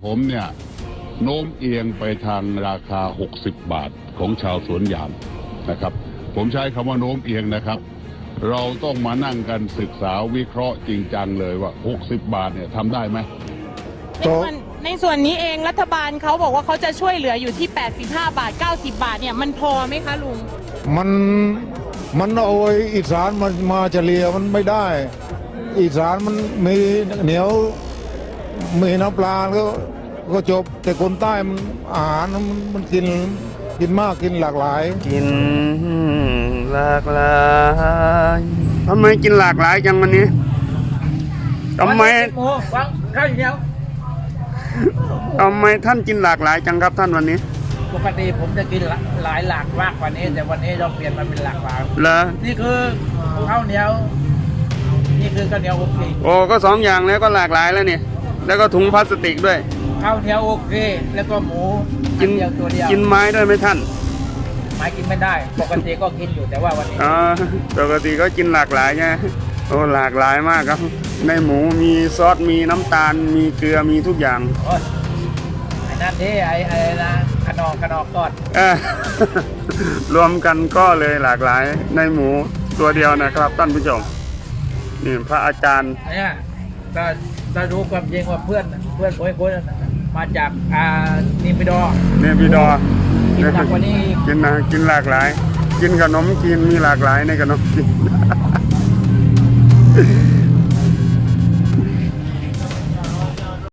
ผมเนี่ยโน้มเอียงไปทางราคา60 บาทของชาวสวนยางนะครับ ผมใช้คำว่าโน้มเอียงนะครับ เราต้องมานั่งกันศึกษาวิเคราะห์จริงจังเลยว่า60 บาทเนี่ยทำได้ไหมในส่วนนี้เองรัฐบาลเขาบอกว่าเขาจะช่วยเหลืออยู่ที่85 บาท90 บาทเนี่ยมันพอไหมคะลุงมันเอาอีสานมาเฉลี่ยมันไม่ได้ อีสานมันมีเหนียวมีน้ำปลาก็จบแต่คนใต้มันอาหารมันกินมากกินหลากหลายกินหลากหลายทำไมกินหลากหลายจังวันนี้ทำไมข้าวเหนียวทำไมท่านกินหลากหลายจังครับท่านวันนี้ปกติผมจะกินหลายมากกว่านี้แต่วันนี้เราเปลี่ยนมาเป็นหลากหลายเหรอนี่คือข้าวเหนียวนี่คือข้าวเหนียวโอเคโอ้ก็2 อย่างแล้วก็หลากหลายแล้วนี่แล้วก็ถุงพลาสติกด้วยข้าวเหนียวโอเคแล้วก็หมูกินเดียวตัวเดียวกินไม้ด้วยไหมท่านไม้กินไม่ได้ปกติก็กินอยู่แต่ว่าวันนี้ปกติก็กินหลากหลายไงโอ้หลากหลายมากครับในหมูมีซอสมีน้ำตาลมีเกลือมีทุกอย่างไอ้นั่นที่ไอ้นะขนอกก่อนรวมกันก็เลยหลากหลายในหมูตัวเดียวนะครับท่านผู้ชมนี่พระอาจารย์เนี่ยถ้ารู้ความจริงว่าเพื่อนคนมาจากนิมปิดอกินหนักกว่านี้กินหลากหลายกินขนมกินมีหลากหลายในขนมกิน